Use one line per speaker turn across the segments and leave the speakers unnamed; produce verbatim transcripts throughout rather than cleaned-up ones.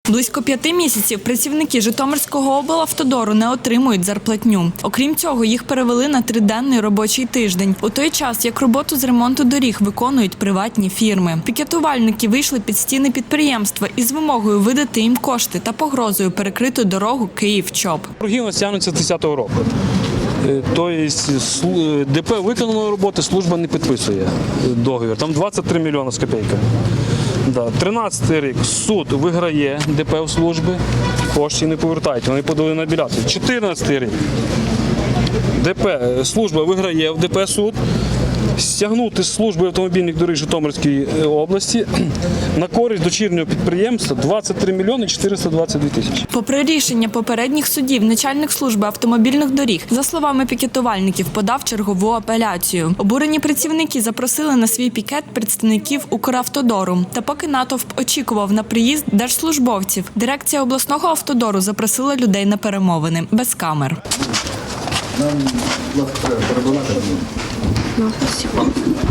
Близько п'яти місяців працівники Житомирського облавтодору не отримують зарплатню. Окрім цього, їх перевели на триденний робочий тиждень. У той час, як роботу з ремонту доріг виконують приватні фірми. Пікетувальники вийшли під стіни підприємства із вимогою видати їм кошти та погрозою перекрити дорогу Київ-Чоп.
Борги у нас тягнуться з десятого року. Тобто ДП виконано роботи, служба не підписує договір. Там двадцять три мільйони з копійками. Да. тринадцятий рік суд виграє ДП у служби, кошти не повертають, вони подали на апеляцію. чотирнадцятий рік ДП, служба виграє в ДП суд, стягнути з служби автомобільних доріг Житомирської області на користь дочірнього підприємства двадцять три мільйони чотириста двадцять дві тисячі.
Попри рішення попередніх судів, начальник служби автомобільних доріг, за словами пікетувальників, подав чергову апеляцію. Обурені працівники запросили на свій пікет представників Укравтодору. Та поки натовп очікував на приїзд держслужбовців, дирекція обласного автодору запросила людей на перемовини без камер.
Нам, будь ласка, треба перебувати.
Ну, спасибо.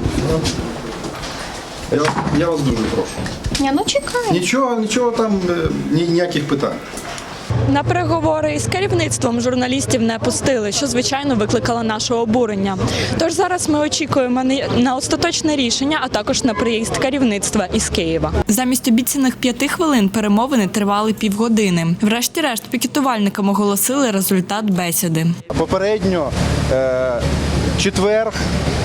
Я, я вас дуже прошу.
Ні, ну чекай.
Нічого, нічого там, е, ні, ніяких питань.
На переговори із керівництвом журналістів не пустили, що, звичайно, викликало наше обурення. Тож зараз ми очікуємо на остаточне рішення, а також на приїзд керівництва із Києва. Замість обіцяних п'яти хвилин перемовини тривали півгодини. Врешті-решт пікетувальникам оголосили результат бесіди.
Попередньо е, четвер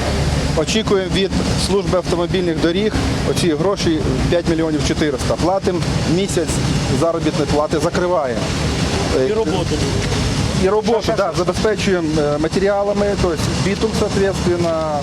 очікуємо від служби автомобільних доріг оці гроші п'ять мільйонів чотириста. Платимо місяць заробітної плати, закриваємо.
І роботу.
І роботу, да, забезпечуємо матеріалами, тобто бітум, соответственно,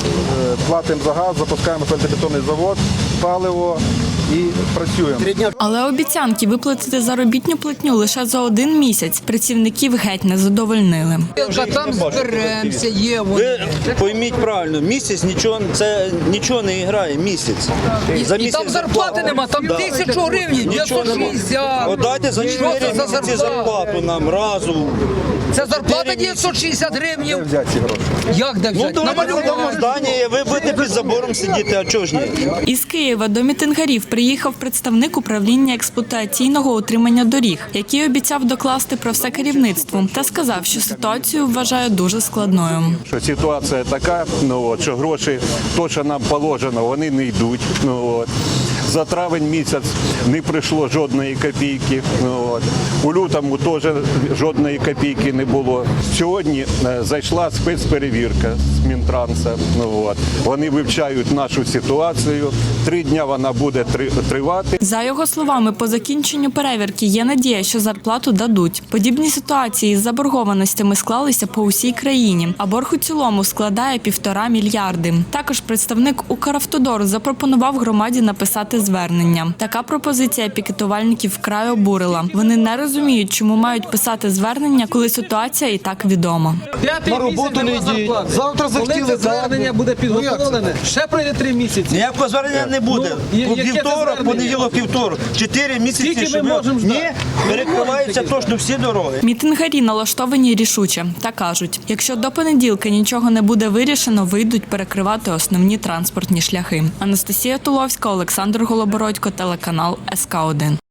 платимо за газ, запускаємо фельдобетонний завод, паливо і працюємо.
Але обіцянки виплатити заробітну платню лише за один місяць працівників геть не задовольнили.
Та там зберемося, є вони.
Ви пойміть правильно, місяць нічого, це нічого не грає, місяць. За
І там зарплати нема, там
Да.
тисячу гривень,
Нічого
дев'ятсот
нема.
шістдесят.
От дайте за
Що
чотири
це за
місяці
зарплата?
зарплату нам разу.
Це зарплата дев'ятсот шістдесят гривень.
Де взяти ці гроші?
Як де
Ну,
взяти?
давайте дамо здання, ви будете під забором сидіти, а чого ж ні?
Із Києва до мітингарів приїхав представник управління експлуатаційного утримання доріг, який обіцяв докласти про все керівництву та сказав, що ситуацію вважає дуже складною.
Що ситуація така, ну от, що гроші, то, що нам положено, вони не йдуть. Ну от. За травень місяць не прийшло жодної копійки. Ну от. У лютому теж жодної копійки не було. Сьогодні е, зайшла спецперевірка з Мінтранса. Ну от. Вони вивчають нашу ситуацію. Три дні вона буде три, тривати.
За його словами, по закінченню перевірки є надія, що зарплату дадуть. Подібні ситуації з заборгованостями склалися по усій країні, а борг у цілому складає півтора мільярди. Також представник Укравтодору запропонував громаді написати звернення. Така пропозиція пікетувальників вкрай обурила. Вони не розуміють, чому мають писати звернення, коли ситуація і так відома.
На роботу не йдіть. Завтра захотіли, звернення буде підготовлене. Ще пройде три місяці.
Ніякого звернення не буде.
Ну, яке це
Вівторок,
звернення?
понеділок, вівторок. Чотири місяці,
Скільки ми
щоб...
можемо ждати?
Ні, перекриваються точно всі дороги.
Мітингарі налаштовані рішуче та кажуть, якщо до понеділка нічого не буде вирішено, вийдуть перекривати основні транспортні шляхи. Анастасія Туловська, Олександр Голобородько, телеканал ес ка один.